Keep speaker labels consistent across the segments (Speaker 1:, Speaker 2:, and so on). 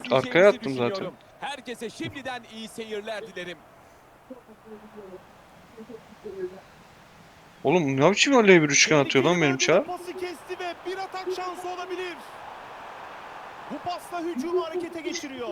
Speaker 1: Arkaya attım zaten.
Speaker 2: düşünüyorum. Herkese şimdiden iyi seyirler dilerim.
Speaker 1: Oğlum ne biçim öyle bir üçgen atıyor lan benim Çağ?
Speaker 3: Pası kesti ve bir atak şansı olabilir. Bu pasla hücumu harekete geçiriyor.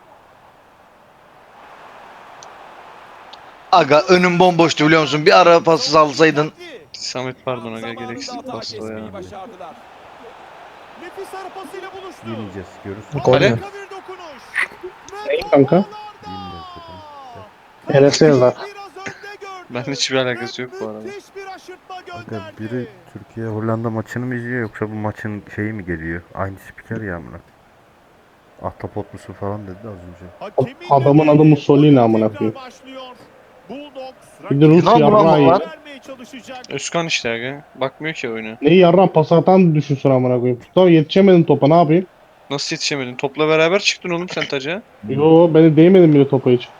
Speaker 4: Aga önüm bomboştu biliyor musun? Bir ara pası salsaydın.
Speaker 1: Samet pardon aga
Speaker 2: Zamanında
Speaker 1: gereksiz
Speaker 2: hata
Speaker 1: pasta ya.
Speaker 2: kesmeyi başardılar.
Speaker 3: Nefis ara pasıyla buluştu.
Speaker 5: Yemeyeceğiz görürsün.
Speaker 6: Gol mü?
Speaker 3: Harika bir dokunuş. Ve
Speaker 6: Neyi
Speaker 3: top
Speaker 6: kanka?
Speaker 3: ağlarda.
Speaker 5: Yemeyeceğiz dedim.
Speaker 6: Neresi yazar?
Speaker 3: Biraz önde gördü.
Speaker 1: Ben hiçbir alakası yok bu arada.
Speaker 3: Müthiş bir aşırtma
Speaker 5: Aga
Speaker 3: gönderdi.
Speaker 5: biri Türkiye Hollanda maçını mı izliyor yoksa bu maçın şeyi mi geliyor? Aynı spiker ya amına. Ahtapot musun falan dedi az önce.
Speaker 3: Hakemin
Speaker 6: Adamın adı
Speaker 3: dediği
Speaker 6: Mussolini
Speaker 3: oyun
Speaker 6: amına
Speaker 3: tekrar
Speaker 6: koyayım.
Speaker 3: başlıyor. Bulldogs
Speaker 6: Bir de Rus
Speaker 4: Lan bu
Speaker 6: yarrağı
Speaker 4: lan.
Speaker 3: vermeye çalışacak.
Speaker 1: Özkan işte aga. Bakmıyor ki oyuna.
Speaker 6: Neyi yarran pas atan düşünsün amına koyayım. Mustafa yetişemedin topa ne yapayım?
Speaker 1: Nasıl yetişemedin? Topla beraber çıktın oğlum sen taca.
Speaker 6: Yo beni değmedim bile topa hiç.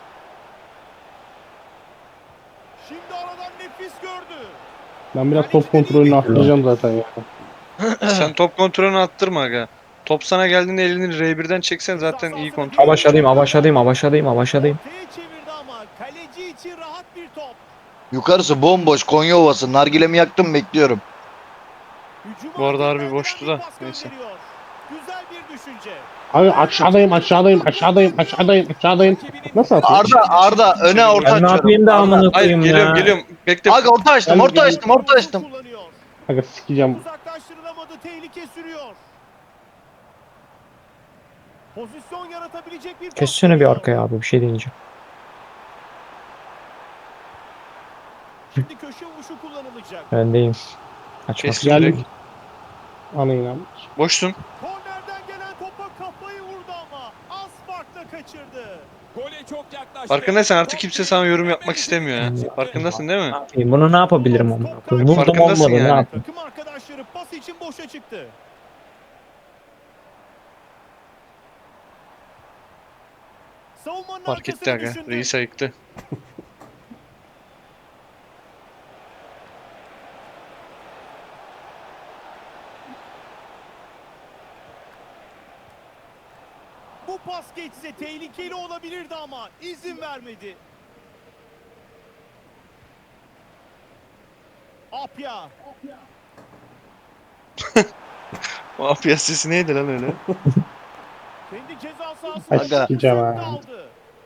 Speaker 3: Şimdi aradan nefis gördü.
Speaker 6: Ben biraz top kontrolünü arttıracağım zaten ya.
Speaker 1: Sen top kontrolünü attırma aga. Top sana geldiğinde elini R1'den çeksen zaten iyi kontrol.
Speaker 6: Avaşadayım.
Speaker 3: Ortaya çevirdi ama kaleci için rahat bir top.
Speaker 4: Yukarısı bomboş Konya Ovası. Nargilemi yaktım bekliyorum.
Speaker 3: Hücuma
Speaker 1: Bu arada harbi
Speaker 3: tekrardan
Speaker 1: boştu
Speaker 3: bir
Speaker 1: da,
Speaker 3: pas
Speaker 1: neyse.
Speaker 3: gönderiyor. Güzel bir düşünce.
Speaker 6: Abi aşağıdayım. Nasıl atıyor?
Speaker 4: Arda öne orta
Speaker 6: Ben ne
Speaker 4: açıyorum.
Speaker 6: yapayım da amına
Speaker 1: Hayır
Speaker 6: koyayım
Speaker 1: geliyorum
Speaker 6: ya.
Speaker 1: geliyorum. Bekle.
Speaker 4: Aga orta açtım orta açtım.
Speaker 3: Kullanıyor.
Speaker 6: Aga sikeceğim.
Speaker 3: Uzaklaştırılamadı, tehlike sürüyor. Pozisyon yaratabilecek bir pas
Speaker 7: Kessene bir
Speaker 3: geliyor.
Speaker 7: arkaya abi bir şey deyince.
Speaker 3: Şimdi köşe vuruşu kullanılacak.
Speaker 7: Öndeyim. Açmak
Speaker 1: Kes.
Speaker 7: istiyorum.
Speaker 6: Geldik. Anayla.
Speaker 1: Boşsun.
Speaker 3: Kornerden gelen topa kafayı vurdu ama az farkla kaçırdı.
Speaker 2: Gole çok yaklaştı.
Speaker 1: Farkındaysan artık kimse sana yorum yapmak istemiyor ya.
Speaker 7: Hmm.
Speaker 1: Farkındasın değil mi?
Speaker 7: Ne yapayım? Bunu ne yapabilirim ama? Vurdum
Speaker 1: Farkındasın
Speaker 7: olmadı ne
Speaker 1: yani.
Speaker 7: yapayım?
Speaker 3: Takım arkadaşları pas için boşa çıktı. Savunmanın
Speaker 1: Fark etti
Speaker 3: arkasını
Speaker 1: aga.
Speaker 3: düşündü.
Speaker 1: Reis ayıktı.
Speaker 3: Bu pas geçse tehlikeli olabilirdi ama izin vermedi. Apya.
Speaker 1: O apya sesi neydi lan öyle?
Speaker 3: Kendi ceza sahasına
Speaker 6: Ay
Speaker 4: Aga.
Speaker 6: sikeceğim
Speaker 3: fırsat
Speaker 6: ha.
Speaker 3: aldı.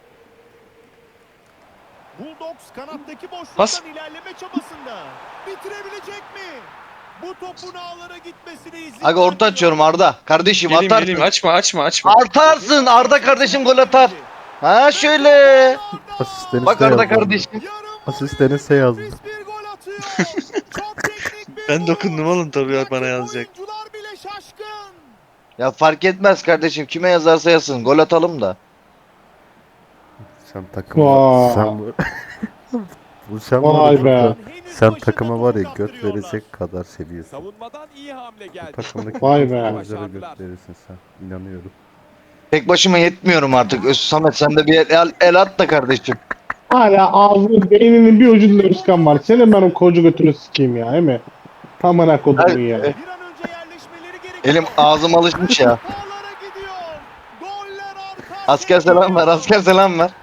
Speaker 3: Bulldogs kanattaki boşluktan
Speaker 1: Pas.
Speaker 3: ilerleme çabasında. Bitirebilecek mi? Bu topun ağlara gitmesine izin
Speaker 4: Aga orta
Speaker 3: vermiyor.
Speaker 4: açıyorum Arda. Kardeşim
Speaker 1: Geleyim
Speaker 4: atarsın.
Speaker 1: geleyim açma.
Speaker 4: Atarsın Arda kardeşim gol atar. Ha şöyle.
Speaker 5: Asisteni
Speaker 4: Bak
Speaker 5: S
Speaker 4: Arda
Speaker 5: yazdı.
Speaker 4: kardeşim.
Speaker 5: Asisteni S yazdı.
Speaker 3: Nefis bir gol atıyor. Çok teknik bir
Speaker 1: Ben
Speaker 3: vuruş.
Speaker 1: dokundum oğlum tabii bana
Speaker 3: Rakip
Speaker 1: yazacak.
Speaker 3: oyuncular bile şaşkın.
Speaker 4: Ya fark etmez kardeşim. Kime yazarsa yazsın. Gol atalım da.
Speaker 5: Sen takıma
Speaker 6: Vay.
Speaker 5: sen bu sen var
Speaker 6: Vay
Speaker 5: ya
Speaker 6: be.
Speaker 5: Furkan,
Speaker 3: Henüz
Speaker 5: sen
Speaker 3: başında
Speaker 5: takıma var ya
Speaker 3: topu
Speaker 5: göt
Speaker 3: kaptırıyorlar.
Speaker 5: verecek kadar seviyorsun.
Speaker 2: Savunmadan iyi hamle
Speaker 5: Bu
Speaker 2: geldi.
Speaker 5: takımdaki
Speaker 6: Vay
Speaker 5: bütün
Speaker 6: be.
Speaker 5: oyunculara göt verirsin sen. İnanıyorum.
Speaker 4: Tek başıma yetmiyorum artık. Samet sen de bir el at da kardeşim.
Speaker 6: Hala ağzının beyninin bir ucunda Özkan var. Senin ben o koca götünü sikeyim ya, değil mi? Amına kodumun ya.
Speaker 3: Bir an önce yerleşmeleri gerekiyor.
Speaker 4: Elim ağzım alışmış ya.
Speaker 3: Ağlara gidiyor. Goller arka
Speaker 4: Asker selam ver. Asker selam ver.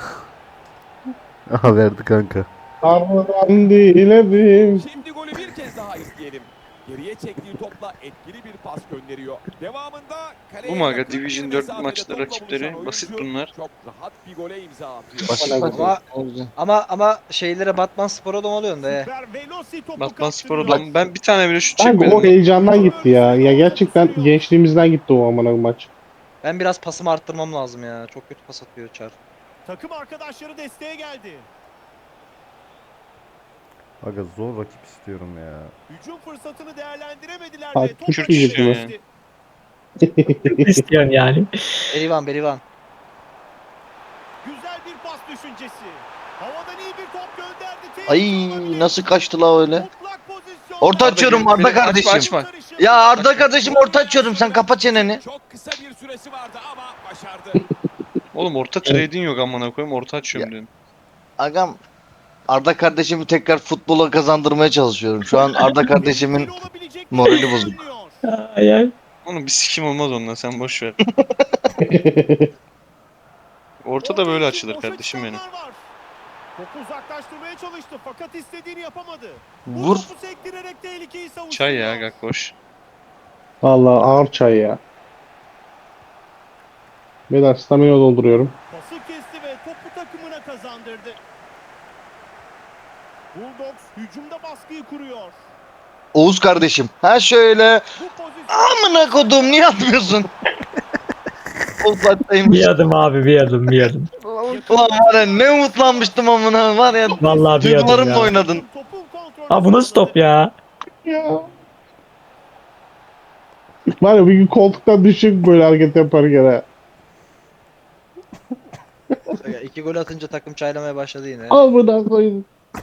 Speaker 5: Aha verdi kanka.
Speaker 6: Karnından diledim.
Speaker 2: Şimdi golü bir kez daha izleyelim. Geriye çektiği topla etkili bir pas gönderiyor. Devamında kaleye
Speaker 1: Bu mu aga?
Speaker 2: yakın bir
Speaker 1: Division 4
Speaker 2: mesafede
Speaker 1: maçta
Speaker 2: topla
Speaker 1: rakipleri
Speaker 2: buluşan
Speaker 1: basit
Speaker 2: oyuncu
Speaker 1: bunlar.
Speaker 2: Çok rahat bir gole imza atıyor.
Speaker 4: Basit
Speaker 6: Ama-
Speaker 4: basit.
Speaker 8: Ama şeylere Batman Spor'a da oluyorsun da.
Speaker 3: Süper Veloci topu
Speaker 1: Batman Spor
Speaker 3: kaptırıyor.
Speaker 1: adam. Ben bir tane bile şut
Speaker 6: Kanka o
Speaker 1: çekmedim.
Speaker 6: heyecandan gitti ya. Ya gerçekten gençliğimizden gitti o amına maç.
Speaker 8: Ben biraz pasımı arttırmam lazım ya. Çok kötü pas atıyor Çar.
Speaker 3: Takım arkadaşları desteğe geldi.
Speaker 5: Aga zor rakip istiyorum ya.
Speaker 3: Hücum fırsatını değerlendiremediler
Speaker 6: Bak,
Speaker 3: ve top
Speaker 6: Kürt
Speaker 3: harekete
Speaker 1: diyecektim
Speaker 3: geçti.
Speaker 7: İstiyorsun yani.
Speaker 8: Berivan.
Speaker 3: Güzel bir pas düşüncesi. Havadan iyi bir top gönderdi.
Speaker 4: Ay nasıl kaçtı la öyle.
Speaker 3: Mutlak pozisyon.
Speaker 4: Orta
Speaker 1: Arda
Speaker 4: açıyorum
Speaker 1: gelip
Speaker 4: Arda
Speaker 1: beni-
Speaker 4: kardeşim.
Speaker 1: açma.
Speaker 4: Ya Arda kardeşim orta açıyorum. Sen kapa çeneni.
Speaker 2: Çok kısa bir süresi vardı ama başardı.
Speaker 1: Oğlum orta trade'in yok amına koyayım orta açıyorum dedim.
Speaker 4: Agam Arda kardeşimi tekrar futbola kazandırmaya çalışıyorum. Şu an Arda kardeşimin morali bozuk.
Speaker 7: Ay ay.
Speaker 1: Onun bir sikim olmaz ondan, sen boş ver. Ortada böyle
Speaker 3: Orta için
Speaker 1: açılır
Speaker 3: boşa
Speaker 1: kardeşim benim.
Speaker 3: çıkanlar var. Topu uzaklaştırmaya çalıştı fakat istediğini yapamadı. Bu
Speaker 4: Vur.
Speaker 3: topu sektirerek tehlikeyi savuşturuyor.
Speaker 1: Çay ya gak boş.
Speaker 6: Vallahi ağır çay ya. Beyler stamina dolduruyorum.
Speaker 3: Pası kesti ve topu takımına kazandırdı. Bulldogs hücumda baskıyı kuruyor.
Speaker 4: Oğuz kardeşim. Ha şöyle.
Speaker 3: Bu pozisyon...
Speaker 4: Amına kodum niye atmıyorsun? Offside'daymış.
Speaker 7: Bir adım abi, bir adım, bir adım.
Speaker 4: Ulan var ya ne umutlanmıştım amına var ya.
Speaker 7: Vallahi bir adım
Speaker 4: Duygularımla
Speaker 7: ya.
Speaker 4: oynadın.
Speaker 3: Topun kontrolünü
Speaker 7: Abi bu nasıl top ya?
Speaker 6: Ya. Var ya bir gün koltuktan düşük böyle hareket yaparken ha.
Speaker 8: Ya, 2 gol atınca takım çaylamaya başladı yine.
Speaker 6: Amına koyayım.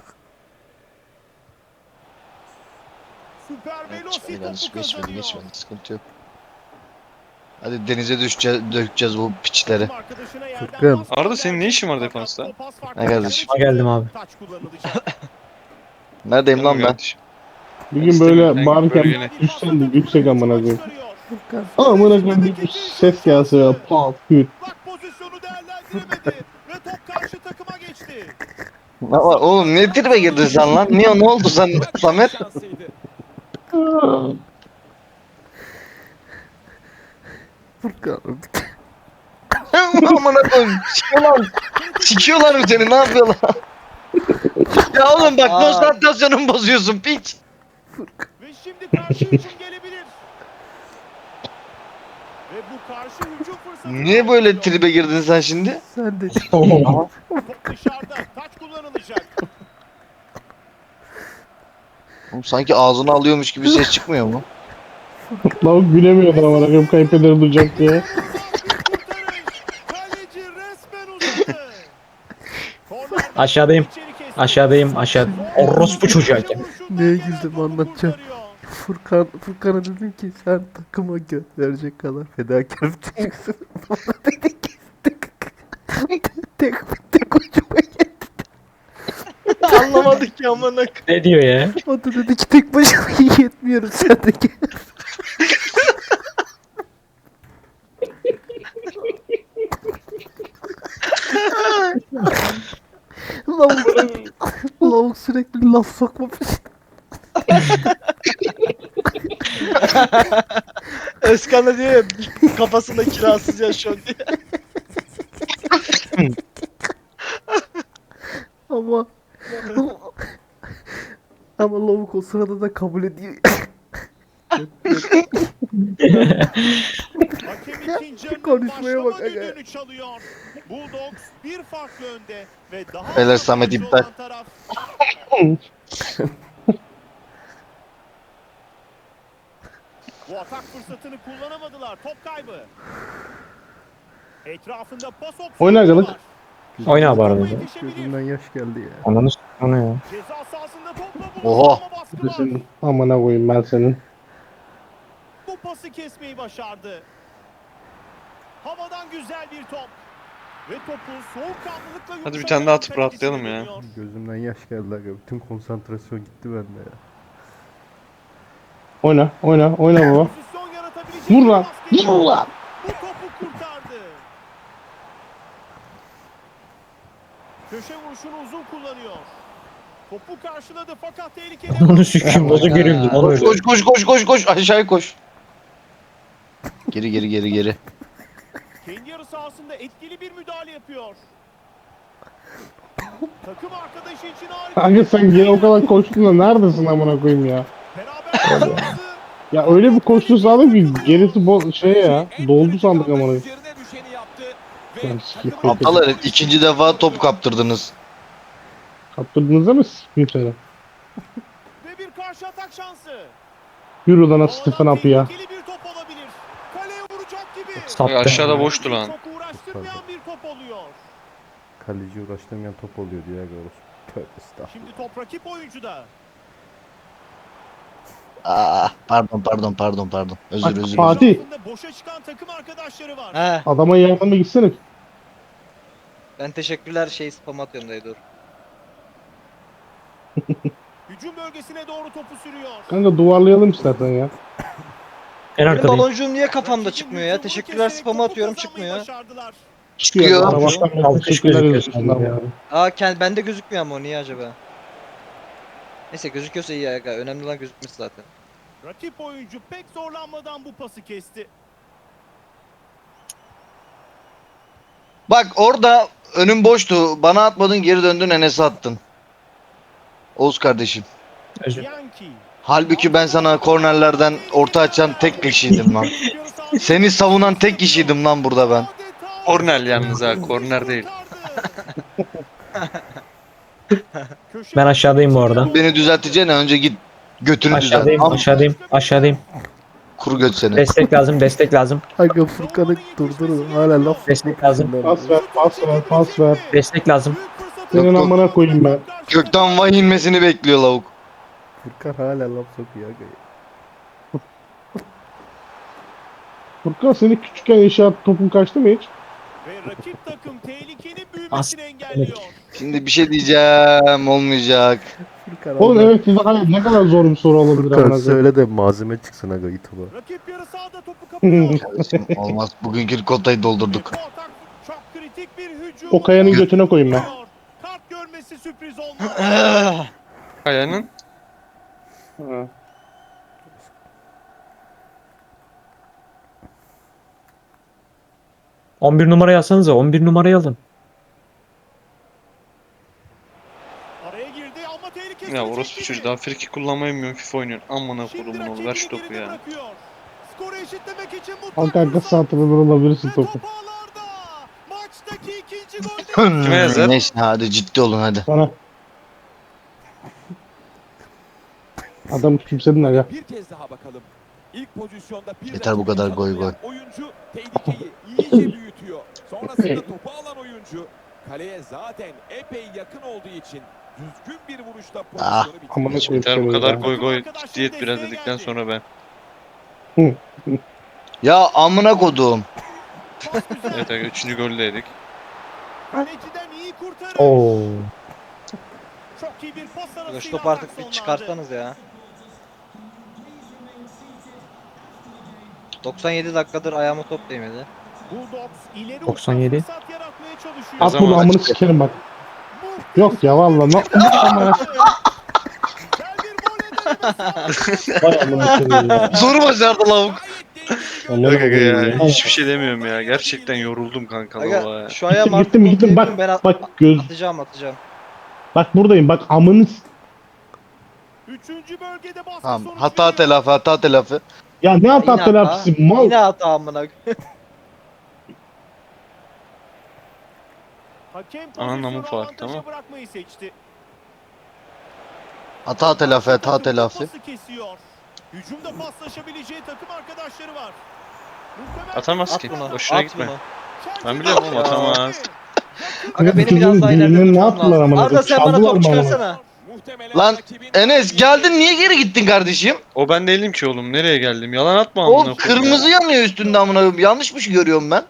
Speaker 3: Süper Veloci
Speaker 4: Geçmedi,
Speaker 3: topu
Speaker 4: geçmedi,
Speaker 3: kazanıyor.
Speaker 4: geçmedi. Sıkıntı yok. Hadi denize düşeceğiz, dökeceğiz bu piçleri.
Speaker 3: Takım arkadaşına yerden
Speaker 5: Furkan.
Speaker 3: pas
Speaker 1: Arda, senin ne işin var
Speaker 3: fakat
Speaker 1: defansta?
Speaker 3: o pas farklı
Speaker 4: Ne kardeşim?
Speaker 3: yerlere
Speaker 7: Geldim abi.
Speaker 3: Taç kullanılacak.
Speaker 4: Neredeyim lan ben?
Speaker 1: Kardeşim.
Speaker 6: Bir gün
Speaker 1: İstemiyorum,
Speaker 6: böyle
Speaker 1: ben
Speaker 6: bağırırken
Speaker 1: bölgene.
Speaker 6: düşsen de yüksek amına koyayım.
Speaker 3: Çıkarıyor.
Speaker 6: Amına koyayım bir ses gelse ya. Pat küt.
Speaker 3: Bak pozisyonu değerlendiremedi ve top karşı takıma geçti.
Speaker 4: Ama oğlum ne tribe girdin sen lan? Niye ne oldu sen Samet?
Speaker 2: Şansıydı.
Speaker 5: Furkan.
Speaker 4: Amına koyayım. Sikiyorlar. Sikiyorlar mı seni? Ne yapıyorlar? Ya oğlum bak konsantrasyonumu bozuyorsun piç.
Speaker 3: Ve şimdi karşı hücum gelebilir. Ve bu karşı hücum fırsatı.
Speaker 4: Niye böyle tribe girdin sen şimdi?
Speaker 5: Sen de
Speaker 3: Top dışarıda. Taç kullanılacak.
Speaker 4: Oğlum sanki ağzını alıyormuş gibi ses çıkmıyor mu?
Speaker 6: Lavuk gülemiyordu amına koyayım kayıpları duyacak diye.
Speaker 3: Kaleci resmen uzadı. Kornerden
Speaker 7: Aşağıdayım.
Speaker 3: içeri kesti.
Speaker 7: Aşağıdayım, aşağı. Orospu çocuğu hakem.
Speaker 5: Neye güldüm anlatacağım. Furkan'a dedim ki sen takıma göt verecek kadar fedakar bir çocuksun. Bana dedi ki tek hoşuma gitti.
Speaker 8: Anlamadık ya amına.
Speaker 7: Ne diyor ya?
Speaker 5: O da dedi ki tek başıma yetmiyorum sen de gel. Lavuk sürekli laf sokma peşinde.
Speaker 8: Özkan da diyor ya kafasında kirasız yaşıyor diye.
Speaker 5: Ama ama lavuk o sırada da kabul ediyor.
Speaker 3: Hakem ikinci yarının
Speaker 5: Konuşmaya bak
Speaker 3: başlama
Speaker 5: aga.
Speaker 3: düdüğünü çalıyor. Bulldogs bir farklı önde ve daha
Speaker 4: Beyler,
Speaker 3: avantajlı
Speaker 4: Samet iptal.
Speaker 3: olan taraf. Bu atak fırsatını kullanamadılar. Top kaybı. Etrafında pas opsiyonu
Speaker 6: Oyna agalık.
Speaker 3: var.
Speaker 7: Oyna abi arada.
Speaker 5: Gözümden yaş geldi ya.
Speaker 7: Ananı s***ını ya.
Speaker 3: Ceza sahasında topla
Speaker 4: Oha.
Speaker 3: buluştu ama baskı var.
Speaker 6: Senin amına koyayım ben senin.
Speaker 3: Bu pası kesmeyi başardı. Havadan güzel bir top. Ve topu soğukkanlılıkla
Speaker 1: Hadi bir
Speaker 3: yumuşak
Speaker 1: tane daha
Speaker 3: alan
Speaker 1: atıp
Speaker 3: kalecisine
Speaker 1: rahatlayalım ya.
Speaker 3: dönüyor.
Speaker 5: Gözümden yaş geldi aga. Bütün konsantrasyon gitti bende ya.
Speaker 6: Oyna oyna oyna baba.
Speaker 3: Pozisyon yaratabilecek
Speaker 6: Vur
Speaker 3: bir
Speaker 6: lan.
Speaker 3: baskı.
Speaker 6: Vur lan.
Speaker 3: Bu topu kurtardı. Köşe vuruşunu uzun kullanıyor. Topu karşıladı fakat tehlikeli.
Speaker 7: Ananı s***im. Nasıl gerildim lan öyle?
Speaker 4: Koş koş koş koş koş aşağıya koş. Geri geri geri geri.
Speaker 3: Kendi yarı sahasında etkili bir müdahale yapıyor. Takım arkadaşı için harika.
Speaker 6: Kanka sen gene o kadar koştun da neredesin amına koyayım ya?
Speaker 3: Beraber
Speaker 6: Ya öyle bir koştu sandım ki gerisi şey ya. Doldu sandık amına koyayım.
Speaker 2: Üzerine düşeni yaptı ve
Speaker 6: Ben sikeyim.
Speaker 2: takımın-
Speaker 4: Aptal herif ikinci defa top kaptırdınız.
Speaker 6: Kaptırdınız ama sikeyim seni.
Speaker 3: Ve bir karşı atak şansı.
Speaker 6: Yürü lan Stephen Up ya.
Speaker 3: Tehlikeli bir top olabilir. Kaleye vuracak gibi.
Speaker 7: Sattı.
Speaker 1: Aşağıda boştu lan.
Speaker 3: Çok uğraştırmayan bir top oluyor.
Speaker 5: Kaleci uğraştırmayan top oluyor diye aga orası. Tövbe estağfurullah.
Speaker 3: Şimdi top rakip oyuncuda.
Speaker 4: Aa, pardon. Özür özür.
Speaker 6: Fatih.
Speaker 3: Etrafında boşa çıkan takım arkadaşları var.
Speaker 8: He,
Speaker 6: Adama yardıma gitsene.
Speaker 8: ben teşekkürler spam atıyorum dayı dur.
Speaker 3: Hücum bölgesine doğru topu sürüyor.
Speaker 6: Kanka duvarlayalım istersen ya.
Speaker 7: En
Speaker 8: Benim
Speaker 7: arkadayım.
Speaker 8: baloncuğum niye kafamda
Speaker 3: Rakibin
Speaker 8: çıkmıyor ya?
Speaker 3: hücumunu
Speaker 8: Teşekkürler
Speaker 3: keserek
Speaker 8: spamı
Speaker 3: topu
Speaker 8: atıyorum
Speaker 3: kazanmayı
Speaker 8: çıkmıyor.
Speaker 3: başardılar.
Speaker 4: Çıkıyor.
Speaker 6: Bana baştan
Speaker 7: Alkış
Speaker 6: teşekkürler
Speaker 7: gözüküyor
Speaker 6: yazıyorsun
Speaker 7: sadece
Speaker 6: abi.
Speaker 7: abi.
Speaker 8: Bende gözükmüyor ama o niye acaba? Neyse gözüküyorsa iyi ya. Önemli olan gözükmesi zaten.
Speaker 3: Rakip oyuncu pek zorlanmadan bu pası kesti.
Speaker 4: Bak orada önüm boştu. Bana atmadın, geri döndün, Enes'e attın. Oğuz kardeşim.
Speaker 7: Özür.
Speaker 3: Yankee.
Speaker 4: Halbuki ben sana kornerlerden orta açan tek kişiydim lan. Seni savunan tek kişiydim lan burada ben.
Speaker 1: Korner yalnız ha, korner değil.
Speaker 7: Ben aşağıdayım bu arada.
Speaker 4: Beni düzelteceğine önce git götünü düzelt.
Speaker 7: Aşağıdayım,
Speaker 4: Am
Speaker 7: aşağıdayım, aşağıdayım.
Speaker 4: kuru göt seni.
Speaker 7: Destek lazım, destek lazım.
Speaker 5: Aga Furkan'ı durdurun. Hala laf
Speaker 7: Destek lazım.
Speaker 6: Pas ver, pas ver, pas ver.
Speaker 7: Destek lazım.
Speaker 6: Senin
Speaker 4: Yok,
Speaker 6: amına koyayım ben.
Speaker 4: Gökten vay inmesini bekliyor lavuk.
Speaker 5: Furkan hala laf sokuyor aga.
Speaker 6: Furkan seni küçükken inşaat topun kaçtı mı hiç?
Speaker 3: Ve rakip takım tehlikenin
Speaker 7: As-
Speaker 3: büyümesini engelliyor.
Speaker 4: Şimdi bir şey diyeceğim, olmayacak.
Speaker 5: Furkan
Speaker 6: Oğlum
Speaker 5: Allah-
Speaker 6: evet ne kadar zor bir soru olabilir
Speaker 5: Furkan
Speaker 6: amına koyayım.
Speaker 5: söyle de malzeme çıksın aga YouTube'a.
Speaker 3: Rakip yarı sahada topu kapıyor.
Speaker 4: Kardeşim, olmaz. Bugünkü kotayı doldurduk.
Speaker 3: Bu atak çok kritik bir hücum.
Speaker 6: O kayanın götüne koyayım ben.
Speaker 3: Kart görmesi sürpriz olmaz.
Speaker 1: Kaya'nın
Speaker 7: 11 numarayı alsanıza, 11 numarayı alın.
Speaker 3: Araya girdi ama tehlikesi.
Speaker 1: ya orospu çocuğu daha friki kullanmayı bilmiyorum, FIFA oynuyorsun. Amına kodumun oğlu, ver şu topu ya.
Speaker 3: Skoru eşitlemek için
Speaker 6: Kanka arka santrafor olabilirsin
Speaker 3: Ve
Speaker 6: topu.
Speaker 3: top ağlarda. Maçtaki ikinci gol.
Speaker 1: Kime yazar?
Speaker 4: Neyse hadi ciddi olun hadi.
Speaker 6: Sana. Adam küçümsedin aga.
Speaker 2: Bir kez daha bakalım. İlk pozisyonda bir
Speaker 4: Yeter bu kadar goy goy.
Speaker 2: Oyuncu tehlikeyi iyice büyütüyor. Sonrasında topu alan oyuncu kaleye zaten epey yakın olduğu için düzgün bir vuruşla
Speaker 4: Ah,
Speaker 2: pozisyonu
Speaker 6: amına
Speaker 2: bitiriyor.
Speaker 6: koyayım.
Speaker 1: Yeter bu kadar
Speaker 6: ya.
Speaker 1: goy goy, ciddiyet biraz dedikten sonra ben.
Speaker 4: Ya amına kodum.
Speaker 3: Pas güzel.
Speaker 1: Evet aga, 3. golü de yedik.
Speaker 3: Kaleciden iyi kurtarış.
Speaker 7: Oo.
Speaker 3: Çok iyi bir pas arasıyla
Speaker 8: Şu topu artık bir
Speaker 3: atak
Speaker 8: çıkartsanız ya. 97 dakikadır ayağıma top değmedi.
Speaker 3: Bulldogs ileri
Speaker 7: 97.
Speaker 3: uçta fırsat yaratmaya çalışıyor.
Speaker 6: At bunu
Speaker 1: Yazamaz.
Speaker 6: amını sikerim bak. Yok ya valla.
Speaker 3: Güzel bir gol denemesi.
Speaker 6: Vay amına koyayım ya.
Speaker 4: Zoru başardı lavuk.
Speaker 6: Amına
Speaker 1: Yok aga
Speaker 6: koyayım
Speaker 1: ya,
Speaker 6: ya.
Speaker 1: hiçbir şey demiyorum ya. Gerçekten yoruldum kanka lava
Speaker 8: Aga
Speaker 1: ya.
Speaker 8: şu ayağım artık
Speaker 6: Gittim gittim
Speaker 8: top değmiyor, ben
Speaker 6: bak bak göz
Speaker 8: atacağım.
Speaker 6: bak buradayım bak amını
Speaker 3: Üçüncü bölgede baskı
Speaker 4: Tamam,
Speaker 3: sonuç
Speaker 4: hata
Speaker 3: veriyor.
Speaker 4: telafi, hata telafi.
Speaker 6: ya ne
Speaker 8: Yine
Speaker 6: hata
Speaker 8: hata.
Speaker 6: telafisi mal.
Speaker 8: Yine hata amına.
Speaker 3: Hakem
Speaker 1: Ananın amı
Speaker 3: pozisyonu
Speaker 1: fark,
Speaker 3: avantaja
Speaker 1: tamam.
Speaker 3: bırakmayı seçti.
Speaker 4: Hata telafi, hata
Speaker 3: Takım
Speaker 4: telafi.
Speaker 3: pası kesiyor. Hücumda paslaşabileceği takım arkadaşları var. Muhtemelen
Speaker 1: Atamaz
Speaker 8: At
Speaker 1: ki,
Speaker 8: bunu.
Speaker 1: boşuna
Speaker 8: At
Speaker 1: gitme.
Speaker 8: bunu.
Speaker 1: Ben biliyorum oğlum, atamaz.
Speaker 8: Aga
Speaker 6: Ya
Speaker 8: beni
Speaker 6: bu
Speaker 8: biraz
Speaker 6: çocuğun
Speaker 8: daha ileride
Speaker 6: düğününü ne
Speaker 8: tutmam
Speaker 6: yaptılar
Speaker 8: lazım.
Speaker 6: amına
Speaker 8: Arda
Speaker 6: koyayım?
Speaker 8: sen bana
Speaker 6: Çaldılar
Speaker 8: top
Speaker 6: mı amına?
Speaker 8: çıkarsana.
Speaker 2: Muhtemelen
Speaker 4: Lan
Speaker 2: rakibin-
Speaker 4: Enes geldin, niye geri gittin kardeşim?
Speaker 1: O ben değilim ki oğlum, nereye geldim? Yalan atma
Speaker 4: O
Speaker 1: amına koyayım ya.
Speaker 4: kırmızı yanıyor üstünde amına koyayım. Yanlış mı görüyorum ben?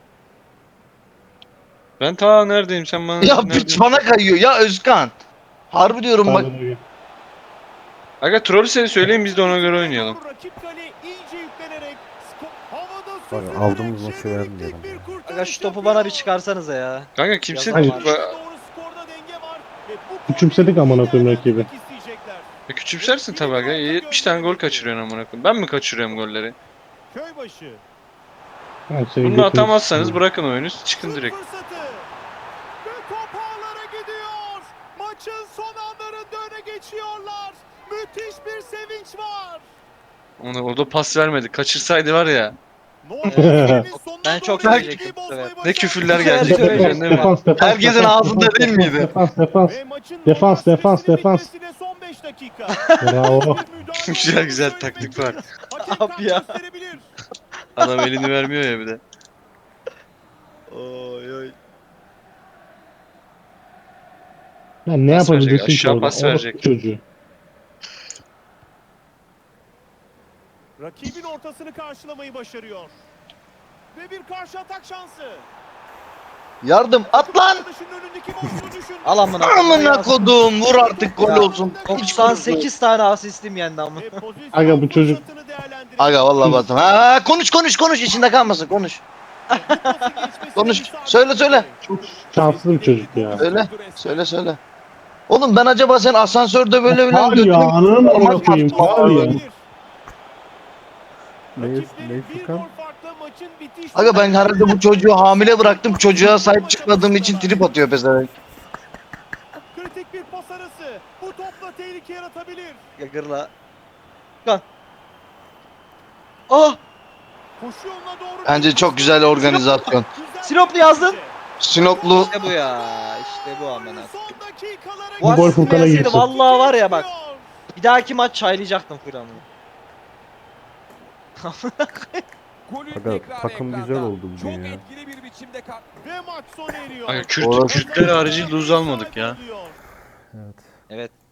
Speaker 1: Ben ta neredeyim, sen bana
Speaker 4: Ya
Speaker 1: neredeyim?
Speaker 4: piç bana kayıyor ya Özkan. Harbi diyorum bak.
Speaker 1: Aga troll seni söyleyin, biz de ona göre oynayalım.
Speaker 3: Rakip kale iyice yüklenerek havada
Speaker 5: Bak,
Speaker 3: süzülerek
Speaker 5: aldığımız maçı
Speaker 3: jeneriklik
Speaker 5: vermeyelim.
Speaker 3: bir kurtarış
Speaker 8: Aga şu topu
Speaker 3: yapıyor.
Speaker 8: bana bir çıkarsanıza ya.
Speaker 1: Kanka kimse...
Speaker 8: Yazamam.
Speaker 1: Ba-
Speaker 3: Doğru skorda denge var ve bu golü
Speaker 6: Küçümsedik amına koyayım
Speaker 3: liderler
Speaker 6: rakibi.
Speaker 3: tutmak isteyecekler.
Speaker 1: Küçümsersin tabi aga, 70 tane gol kaçırıyorsun amına koyayım. Ben mi kaçırıyorum golleri?
Speaker 3: Köybaşı.
Speaker 1: Bunu atamazsanız bırakın oyunu, çıkın
Speaker 3: Şut
Speaker 1: direkt.
Speaker 3: fırsatı. Ve top ağlara gidiyor. Maçın son anlarında öne geçiyorlar. Müthiş bir sevinç var.
Speaker 1: Ona orada pas vermedi. Kaçırsaydı var ya.
Speaker 8: Ben çok
Speaker 1: sevecektim bu sefer. Ne küfürler gelecek
Speaker 8: söyleyeceğim.
Speaker 1: değil mi?
Speaker 4: Herkesin ağzında değil miydi?
Speaker 6: Defans. Defans, defans, defans.
Speaker 3: Son 5 dakika.
Speaker 6: Bravo.
Speaker 1: Güzel, güzel taktik var.
Speaker 8: Abi ya.
Speaker 1: Adam elini vermiyor ya bir de.
Speaker 8: Oy oy.
Speaker 6: Lan ne
Speaker 1: Pas verecek,
Speaker 6: yapabileceksin ki
Speaker 1: aşağı
Speaker 6: orada?
Speaker 1: pas
Speaker 6: Orospu
Speaker 1: verecek.
Speaker 6: çocuğu.
Speaker 3: Rakibin ortasını karşılamayı başarıyor. Ve bir karşı atak şansı.
Speaker 4: Yardım at lan.
Speaker 3: Arkadaşının önündeki boşluğu düşündü.
Speaker 8: Al amına.
Speaker 4: Amına kodum vur artık gol
Speaker 8: Ya,
Speaker 4: olsun.
Speaker 8: 98 tane asistim yendi amına.
Speaker 3: Ve pozisyon
Speaker 6: Aga bu çocuk-
Speaker 3: fırsatını değerlendirecek.
Speaker 4: Aga vallahi bastım. Ha konuş içinde kalmasın konuş.
Speaker 3: Bu pası geçmesine
Speaker 4: Konuş.
Speaker 3: müsaade
Speaker 4: Söyle.
Speaker 3: etmedi.
Speaker 6: Çok şanslı bir çocuk ya.
Speaker 4: Söyle. Oğlum ben acaba sen asansörde böyle
Speaker 6: Var ya
Speaker 4: götürüp-
Speaker 6: ananı amına koyayım var ya.
Speaker 5: Ne
Speaker 3: Rakipleri bir
Speaker 5: Furkan?
Speaker 3: gol farkla maçın bitiş
Speaker 4: Aga ben herhalde bu çocuğu hamile bıraktım. Çocuğa sahip çıkmadığım için trip atıyor pezevenk.
Speaker 3: Kritik bir pas arası. Bu topla tehlike yaratabilir.
Speaker 8: Gırla.
Speaker 4: Ah!
Speaker 3: Koşu yoluna doğru.
Speaker 4: Bence çok güzel organizasyon.
Speaker 3: Güzel
Speaker 8: Sinoplu yazdın.
Speaker 4: Sinoplu
Speaker 8: İşte bu ya. İşte bu amına.
Speaker 3: Son dakikalara
Speaker 8: Bu
Speaker 6: Bu gol
Speaker 8: asistim
Speaker 6: Furkan'a
Speaker 8: yenseydi
Speaker 6: girsin.
Speaker 8: vallahi var ya bak. Bir dahaki maç çaylayacaktım Furkan'ı.
Speaker 2: Golün
Speaker 5: Aga,
Speaker 2: tekrarı
Speaker 5: takım
Speaker 2: ekranda.
Speaker 5: güzel oldu bugün
Speaker 2: Çok
Speaker 5: ya.
Speaker 2: etkili bir biçimde
Speaker 3: Ve maç sona eriyor.
Speaker 1: Ay,
Speaker 4: Orası-
Speaker 1: Kürtler harici lose almadık ya.
Speaker 5: Evet.
Speaker 8: Evet.